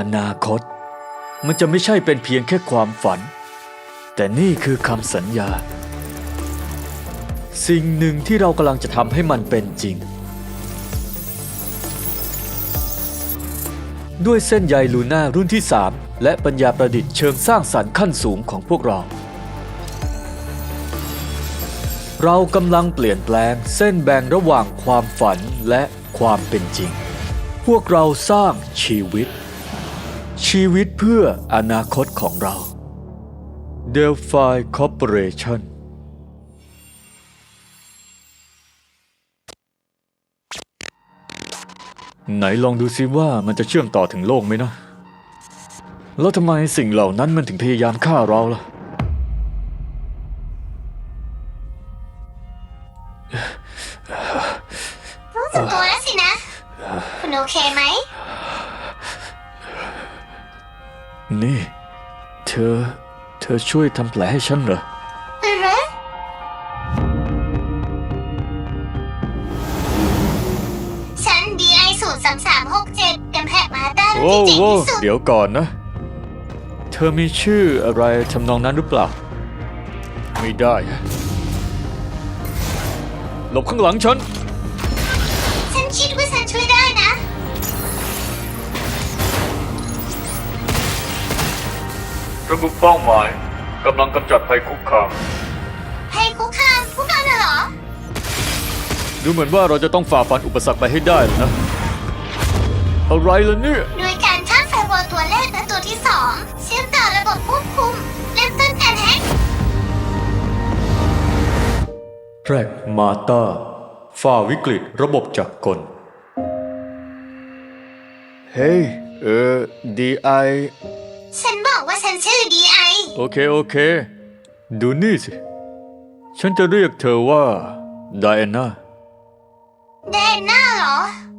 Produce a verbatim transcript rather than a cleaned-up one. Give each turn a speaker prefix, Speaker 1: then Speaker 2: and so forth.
Speaker 1: นาคตมันจะไม่ใช่เป็นเพียงแค่ความฝันแต่นี่คือคำสัญญาสิ่งหนึ่งที่เรากำลังจะทำให้มันเป็นจริงด้วยเส้นใยลูน่ารุ่นที่สามและปัญญาประดิษฐ์เชิงสร้างสรรค์ขั้นสูงของพวกเราเรากำลังเปลี่ยนแปลงเส้นแบ่งระหว่างความฝันและความเป็นจริงพวกเราสร้างชีวิตชีวิตเพื่ออนาคตของเรา Delphi Corporation ไหนลองดูซิว่ามันจะเชื่อมต่อถึงโลกไหมนะแล้วทำไมสิ่งเหล่านั้นมันถึงพยายามฆ่าเราล่ะ
Speaker 2: รู้สึกตัวแล้วสินะ คุณโอเคไหม
Speaker 1: นี่เธอเธอช่วยทำแผลให้ฉันเหรอ
Speaker 2: อือฮึฉัน ดี ไอ ศูนย์ สาม สาม หก เจ็ดเป็นแพทย์มาต้ารุ่น
Speaker 1: โว้
Speaker 2: ที่เจ๋ง
Speaker 1: โว้
Speaker 2: ที่สุด
Speaker 1: เดี๋ยวก่อนนะเธอมีชื่ออะไรทำนองนั้นหรือเปล่าไม่ได้หลบข้างหลังฉัน
Speaker 2: ฉันคิดว่าฉันช่วยได้นะ
Speaker 1: ระบุเป้าหมายกำลังกำจัดภัยคุกคาม
Speaker 2: ให้คุกคามพวกเราน่ะเหรอ
Speaker 1: ดูเหมือนว่าเราจะต้องฝ่าฟันอุปสรรคไปให้ได้นะอะไรล่ะเนี่ย
Speaker 2: โดยการข้ามไฟวอลตัวแรกและตัวที่สองเชื่อมต่อระบบควบคุมเริ่มต้นการแฮ็ก
Speaker 1: แพรกมาตาฝ่าวิกฤตระบบจักรกลเฮ้ยเออ ดี ไอ
Speaker 2: ฉันบอกว่าฉันชื่อ ดี ไอ
Speaker 1: โอเคโอเคดูนี่สิฉันจะเรียกเธอว่าไดอาน่า
Speaker 2: แดนหน้าเหรอ